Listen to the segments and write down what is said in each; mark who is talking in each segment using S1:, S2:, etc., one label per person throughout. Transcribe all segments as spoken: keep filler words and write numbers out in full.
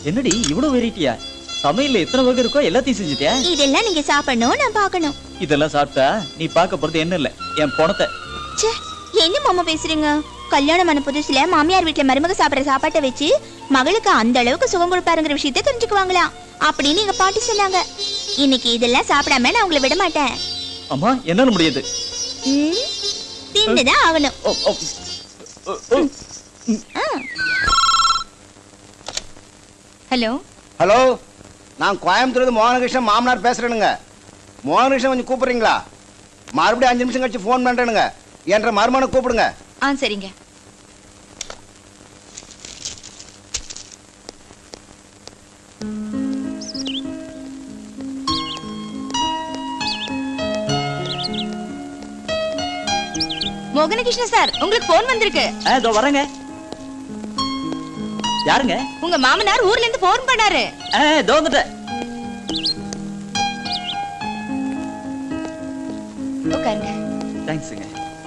S1: என்னடி இவ்வளவு வெரைட்டியா? சமையல்ல எத்தனை வகை இருக்கோ எல்லாத்தையும் செஞ்சுட்டியா?
S2: இதெல்லாம் நீங்க சாப்பிடணும், நான் பார்க்கணும்.
S1: இதெல்லாம் சாப்பிட்டா நீ பார்க்க போறது என்ன இல்ல, என் பணத்தை.
S2: ச்சே, என்ன மாமா பேசுறீங்க? கல்யாணம் ஆன புதுசுல மாமியார் வீட்டுல மருமக சாப்பிடுற சாப்பாட்டை வச்சு மகளுக்கு அந்த அளவுக்கு சுகம் கொடுப்பாருங்கிற விஷயத்த தெரிஞ்சுக்குவாங்களாம் அப்படின்னு எங்க பாட்டி சொன்னாங்க. இன்னைக்கு இதெல்லாம் சாப்பிடாம நான் உங்களை விட மாட்டேன்.
S1: அம்மா என்னால முடியாது.
S2: ம், தின்னுதான் ஆகணும்.
S1: ஓ, ஓ, ஓ, ஓ.
S2: ஹலோ
S3: ஹலோ, நான் கோயம்புத்தூர்ல மோகனகிருஷ்ணன் மாமனார் பேசுறேனுங்க. மோகனகிருஷ்ணன் கொஞ்சம் கூப்பிடுறீங்களா? மறுபடியும் அஞ்சு நிமிஷம் கழிச்சு ஃபோன் பண்றேனுங்க. என்ற மருமனை கூப்பிடுங்க.
S2: ஆ சரிங்க. மோகனகிருஷ்ணன் சார், உங்களுக்கு போன் வந்திருக்கு.
S1: இதோ வரேங்க. யாருங்க?
S2: உங்க மாமனார் ஊர்ல இருந்து போன் பண்ணாரு.
S1: இதோ வந்துட்டேன்.
S2: உட்காருங்க.
S1: தேங்க்ஸ்ங்க.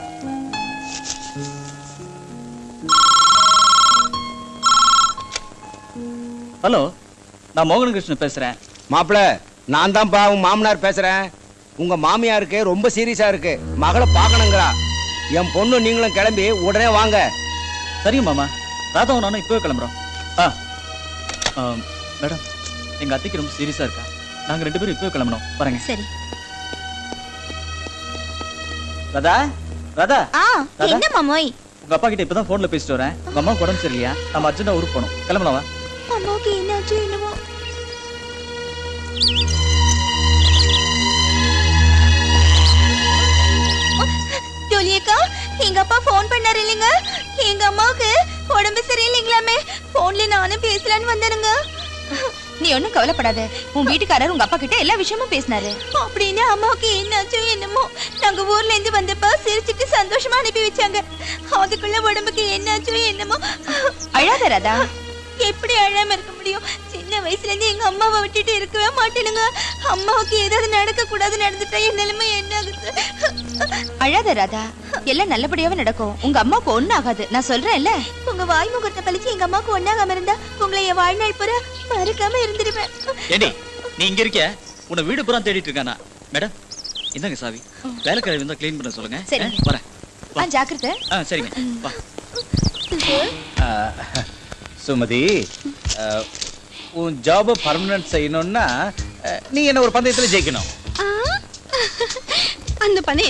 S1: ஹலோ, நான் மோகனகிருஷ்ணன் பேசுறேன்.
S3: மாப்பிள்ள, நான் தான்ப்பா உங்க மாமனார் பேசுறேன். உங்க மாமியாருக்கு ரொம்ப சீரியஸா இருக்கு, மகளை பார்க்கணுங்கிறா. என் பொண்ணு நீங்களும் கிளம்பி உடனே வாங்க.
S1: சரிங்க மாமா, ராதாவும் நானும் இப்பவே கிளம்புறோம். ஆ மேடம், எங்க அத்தைக்கு ரொம்ப சீரியஸா இருக்கா. நாங்க ரெண்டு பேரும் இப்பவே கிளம்பணும். பாருங்க.
S2: சரி.
S1: ராதா, ராதா.
S2: ஆ, என்ன மாமோய்?
S1: உங்க அப்பா கிட்ட இப்பதான் போன்ல பேசிட்டு வரேன். உங்க அம்மா உடம்பு சரியில்லையா? நம்ம அர்ஜென்ட்டா ஊருக்கு போகணும். கிளம்பலாம் வா.
S2: அம்மாவுக்கு என்னாச்சு என்னமோ? ஜோலியக்கா, எங்க அப்பா போன் பண்ணாரு இல்லைங்க. எங்க அம்மாவுக்கு உடம்பு சரியில்லைங்களாமே. போன்ல நானும் பேசலான்னு வந்தேனுங்க. நீ ஒண்ணும் கவலைப்படாத, உன் வீட்டுக்காரர் உங்க அப்பா கிட்ட எல்லா விஷயமும் பேசினாரு. அப்படின்னு அம்மாவுக்கு என்னாச்சோ என்னமோ, நாங்க ஊர்ல இருந்து வந்தப்ப சிரிச்சுட்டு சந்தோஷமா அனுப்பி வச்சாங்க. அதுக்குள்ள உடம்புக்கு என்னாச்சோ என்னமோ. அழாத ராதா. எப்படி அழாம இருக்க முடியும்? சின்ன வயசுல இருந்து எங்க அம்மாவை விட்டுட்டு இருக்கவே மாட்டேனுங்க. அம்மாவுக்கு ஏதாவது நடக்க கூடாது, நடந்துட்டா என் நிலைமை என்ன ஆகுது? அழாத ராதா, எல்லாம் நல்லபடியாவே நடக்கும். உங்க அம்மாவுக்கு ஒண்ணு ஆகாது, நான் சொல்றேன்ல. உங்க வாய் முகத்தை பழிச்சு எங்க அம்மாவுக்கு ஒண்ணாகாம இருந்தா உங்களை என் வாழ்நாள் பூரா மறக்காம இருந்துருவேன்.
S1: ஏடி, நீ இங்க இருக்க? உன்னை வீடு பூரா தேடிட்டு இருக்கானா? மேடம், இந்தாங்க சாவி. வேலைக்காரர் வந்தா க்ளீன் பண்ண சொல்லுங்க.
S2: சரிங்க.
S1: வரேன்.
S2: ஆ, ஜாக்கிரதை.
S1: ஆ சரிங்க. வா.
S3: சுமதி, உன் ஜாப பர்மனன்ட் செய்யணும்னா நீ என்ன ஒரு பந்தயத்துல ஜெயிக்கணும்.
S2: அந்த பந்தயம்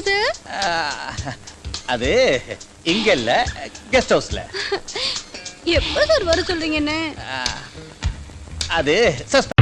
S3: அது இங்க இல்ல, கெஸ்ட் ஹவுஸ்ல.
S2: எப்ப சார் வர சொல்றீங்க? என்ன
S3: அது